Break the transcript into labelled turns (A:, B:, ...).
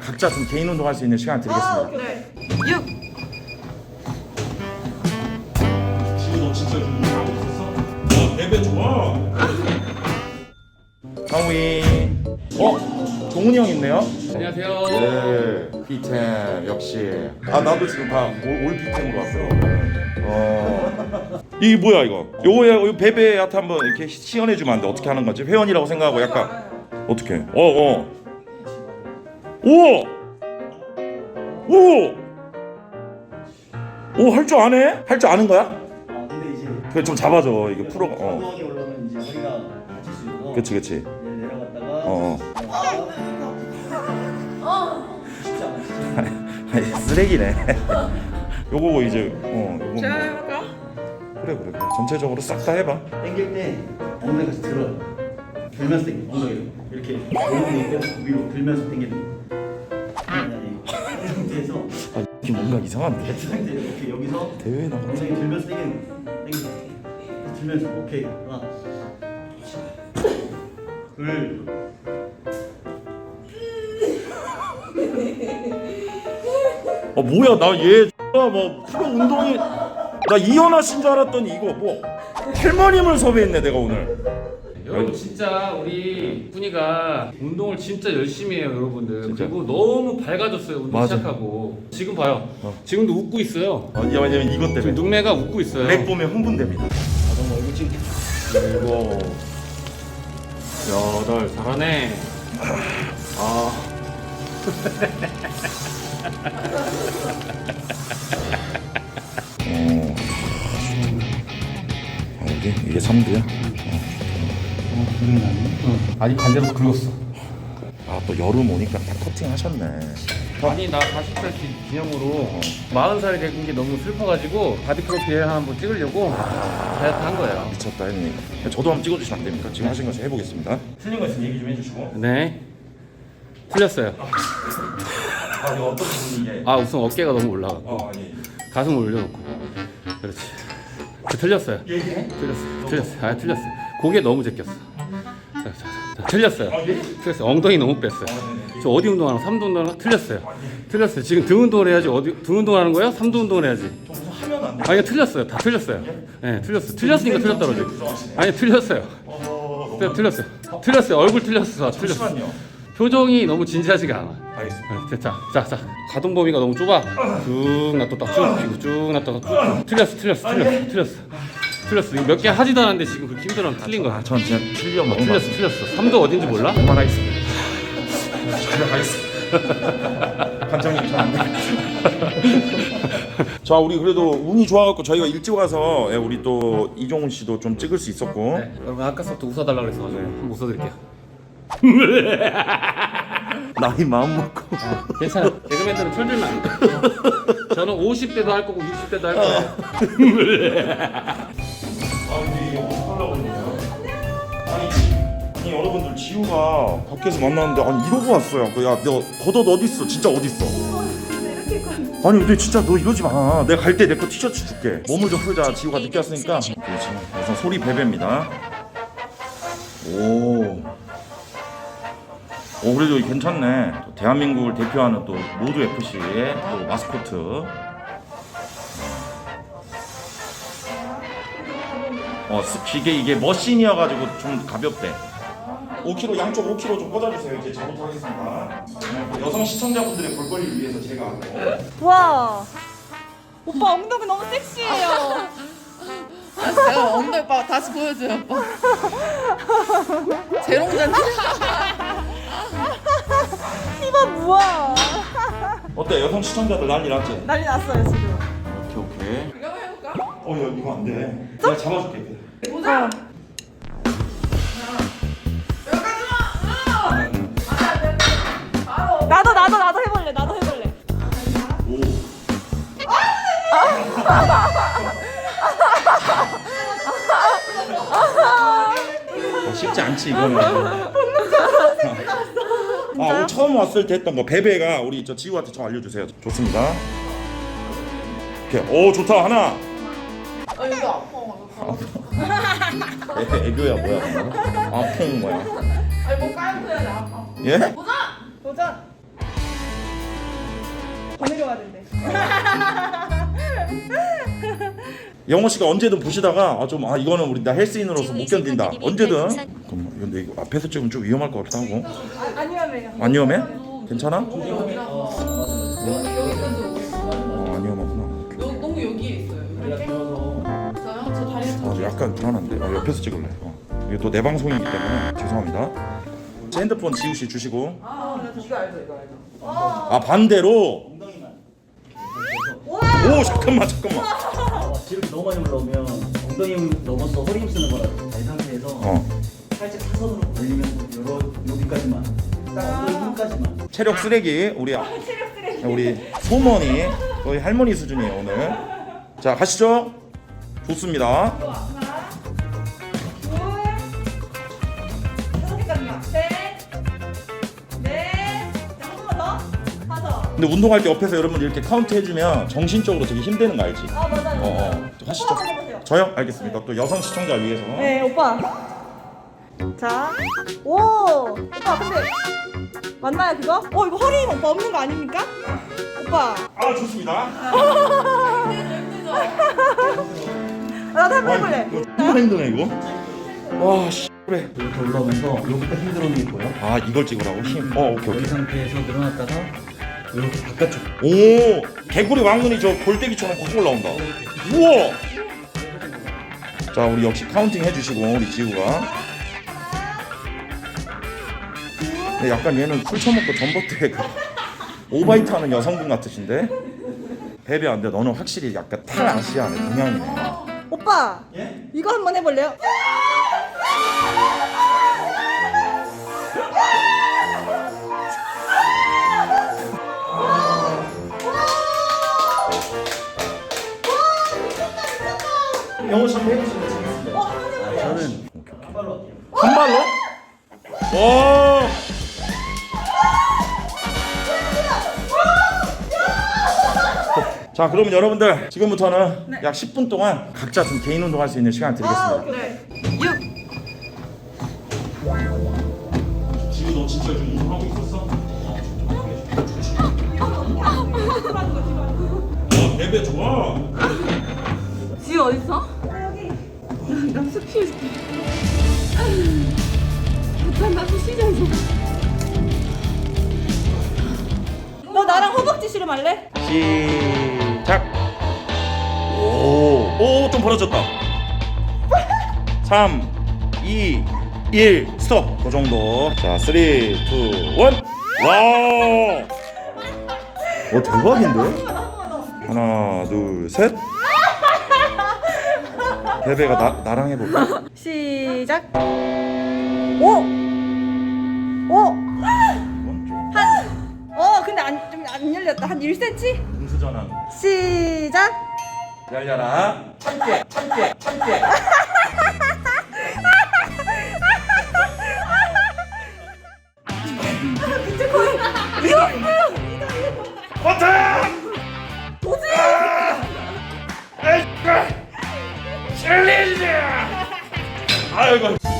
A: 각자 좀 개인 운동할 수 있는 시간 드리겠습니다.
B: 네.
C: 6.
A: 지금 너 진짜 좀 운동하고 있었어? 베베 좋아. 상위. 종훈이 형 있네요.
D: 안녕하세요.
A: 네, P10 역시. 나도 지금 다 올 P10으로 왔어. 이게 뭐야 이거? 요거 베베한테 한번 이렇게 시연해주면 안 돼? 어떻게 하는 거지? 회원이라고 생각하고 약간 어떻게? 오! 할 줄 아네? 할 줄 아는 거야?
E: 근데 이제
A: 그래 좀 잡아줘 이게 프로가.
E: 엉덩이 올라오면 이제 허리가 다칠 수 있어서
A: 그치.
E: 내려갔다가 쉽지 않아.
A: 아니, 쓰레기네. 요거 이제 요거
C: 제가
A: 뭐.
C: 해볼까?
A: 그래. 전체적으로 싹 다 해봐.
E: 당길 때 엉덩이가 들어요. 들면서 당겨 엉덩이를 이렇게 오른손 빼고 위로 들면서 당기는 거. 아니 이 상태에서
A: 이게 뭔가 이상한데?
E: 이 상태에서 이렇게 여기서
A: 대회 나가.
E: 엉덩이 들면서 당기는 거. 들면서 오케이 하나 둘
A: 뭐야 나 얘 뭐 프로 운동이 나 이현아 씨인 줄 알았더니 이거 뭐 할머님을 섭외했네 내가 오늘.
D: 여러분 진짜 우리 훈이가 운동을 진짜 열심히 해요, 여러분들.
A: 진짜?
D: 그리고 너무 밝아졌어요, 운동
A: 맞아.
D: 시작하고. 지금 봐요. 지금도 웃고 있어요.
A: 왜냐면 이것
D: 지금
A: 때문에
D: 눈매가 웃고 있어요.
A: 렉 보면 흥분됩니다.
E: 너무 얼굴 찍게
D: 일곱, 여덟, 잘하네.
A: 이게 3두야?
D: 아니 반대로 긁었어.
A: 또 여름 오니까 딱 커팅 하셨네.
D: 아니 나 40살 기념으로 40살이 된 게 너무 슬퍼가지고 바디 프로필 한번 찍으려고 다이어트 한 거예요.
A: 미쳤다 형님. 저도 한번 찍어주시면 안 됩니까? 지금 하신 것을 해보겠습니다. 틀린 거 있으면 얘기 좀 해주시고.
D: 네. 틀렸어요.
A: 이거 어떤 부분이 이게?
D: 우선 어깨가 너무 올라갔고
A: 예.
D: 가슴을 올려놓고. 그렇지. 틀렸어요. 틀렸어요. 틀렸어요. 고개 너무 제꼈어. 자, 틀렸어요. 틀렸어요. 엉덩이 너무 뺐어요. 저 어디 운동하나? 3두 운동하나? 틀렸어요. 틀렸어요. 지금 등 운동을 해야지. 등 운동하는 거예요? 3두 운동을 해야지.
A: 하면 안 돼.
D: 아니 틀렸어요. 다 틀렸어요. 네, 틀렸어요. 틀렸으니까 틀렸다 그러지. 아니 틀렸어요. 틀렸어요. 얼굴 틀렸어.
A: 잠시만요.
D: 표정이 너무 진지하지가 않아.
A: 알겠습니다.
D: 자. 가동 범위가 너무 좁아. 쭉 놔뒀다 쭉 피고 쭉 놔뒀다 쭉. 틀렸어. 몇 개 하지도 않았는데 지금 그렇게 힘들어하면 틀린 거야.
A: 전 진짜 틀리면
D: 틀렸어. 3도 어딘지 몰라?
A: 그만하겠습니다. 가겠습니다. 관장님 저안 돼. 자 우리 그래도 운이 좋아갖고 저희가 일찍 와서 우리 또 이종훈 씨도 좀 찍을 수 있었고.
D: 네, 여러분 아까부터 웃어달라 그래서 한번 웃어드릴게요.
A: 나이 마음 먹고.
D: 괜찮아. 개그맨들은 철들면 안 돼. 저는 50대도 할 거고 60대도 할 거예요.
A: 근데 이게 어떡하려고 그러냐. 아니 여러분들 지우가 밖에서 만났는데 이러고 왔어요. 야 너 겉옷 어딨어? 진짜 어딨어? 아니 근데 진짜 너 이러지 마. 내가 갈 때 내 거 티셔츠 줄게. 몸을 좀 풀자. 지우가 늦게 왔으니까. 그렇지. 우선 소리 베베입니다. 그래도 괜찮네. 또 대한민국을 대표하는 또 모두 FC의 또 마스코트. 이게 머신이어가지고 좀 가볍대. 5kg 양쪽 5kg 좀 꽂아주세요. 이제 저부터 하겠습니다. 여성 시청자분들의 볼거리를 위해서 제가
B: 와. 오빠 엉덩이 너무 섹시해요.
C: 제가 엉덩이 오빠 다시 보여줘요, 오빠. 재롱잔치.
B: 이거 뭐야?
A: 어때? 여성 시청자들 난리 났지?
B: 난리 났어요 지금.
A: 오케이.
C: 이거 한번 해볼까?
A: 야 이거 안 돼. 내가 잡아줄게.
C: 보자.
B: 나도 해볼래.
A: 쉽지 않지 이거는. 오늘 처음 왔을 때 했던 거 베베가 우리 저 지우한테 좀 알려주세요. 좋습니다. 오케이. 좋다 하나.
C: 이거 아파.
A: 애교야 뭐야? 아픈 뭐야?
C: 아니 뭐 까는 거야 나 아파.
A: 예?
C: 도전.
B: 더 내려와야 된대.
A: 영호 씨가 언제든 보시다가 이거는 우리 나 헬스인으로서 못 견딘다. 언제든. 잠깐만, 근데 이거 앞에서 찍으면 좀 위험할 것 같기도 하고.
B: 안 위험해요.
A: 안 위험해? 괜찮아? 안 위험하구나.
C: 너무 여기에 있어요. 있어요? 저 다리
A: 약간 불안한데. 옆에서 찍을래. 이게 또 내 방송이기 때문에 죄송합니다. 제 핸드폰 지우 씨 주시고.
C: 이거 알죠, 이거 알죠.
A: 반대로.
E: 엉덩이만.
A: 오 잠깐만.
E: 이렇게 너무 많이 올라오면 엉덩이 힘 넘어서 허리 힘 쓰는 거라 이 상태에서 살짝 사선으로 벌리면 여기까지만 딱 엉덩이 힘까지만.
A: 체력 쓰레기 우리 소머니 거의 할머니 수준이에요 오늘. 자 가시죠. 좋습니다. 근데 운동할 때 옆에서 여러분 이렇게 카운트 해주면 정신적으로 되게 힘드는 거 알지?
B: 맞아요.
A: 하시죠. 저요? 알겠습니다. 또 여성 시청자 위해서.
B: 네, 오빠. 자, 오, 오빠 근데 맞나요 그거? 이거 허리 힘 오빠 없는 거 아닙니까? 오빠.
A: 좋습니다.
B: 나도 한번 해볼래.
A: 정말 힘드네 이거. 와 씨. 그래.
E: 이렇게 올라오면서 여기가 힘들어오는 게 보여?
A: 이걸 찍으라고 힘. 오케이.
E: 이 상태에서 늘어났다가 이렇게 바깥쪽.
A: 오 개구리 왕눈이 저 골대기처럼 확 올라온다. 우와. 자 우리 역시 카운팅 해주시고 우리 지우가. 근데 약간 얘는 술 처먹고 전봇대 오바이트하는 여성분 같으신데. 베베 안돼. 너는 확실히 약간 탈아시아네 동양이네.
B: 오빠.
E: 예?
B: 이거 한번 해볼래요?
E: 영어 좀 해보시면 재밌습니다. 저는 한 발로 할게요.
A: 한 발로? 와. 자 그러면 여러분들 지금부터는 약 10분 동안 각자 좀 개인 운동할 수 있는 시간 드리겠습니다. 지우 너 진짜 요즘 운동하고 있었어? 베베 좋아.
C: 지우 어딨어? 나숲 키워줄게. 일단 나숲 시장에서.
B: 너 나랑 허벅지 씨름할래?
A: 시작. 좀 벌어졌다. 3, 2, 1 스톱. 그 정도. 자, 3, 2, 1. 와. 대박인데? 하나, 둘, 셋. 베베가 나랑 해볼까?
B: 시작. 오.
A: 이건 좀
B: 근데 좀 안 열렸다. 한 1cm?
A: 공수전환.
B: 시작.
A: 열려라. 참깨. 버튼!
B: 도지!
A: 챌린지! 아이고.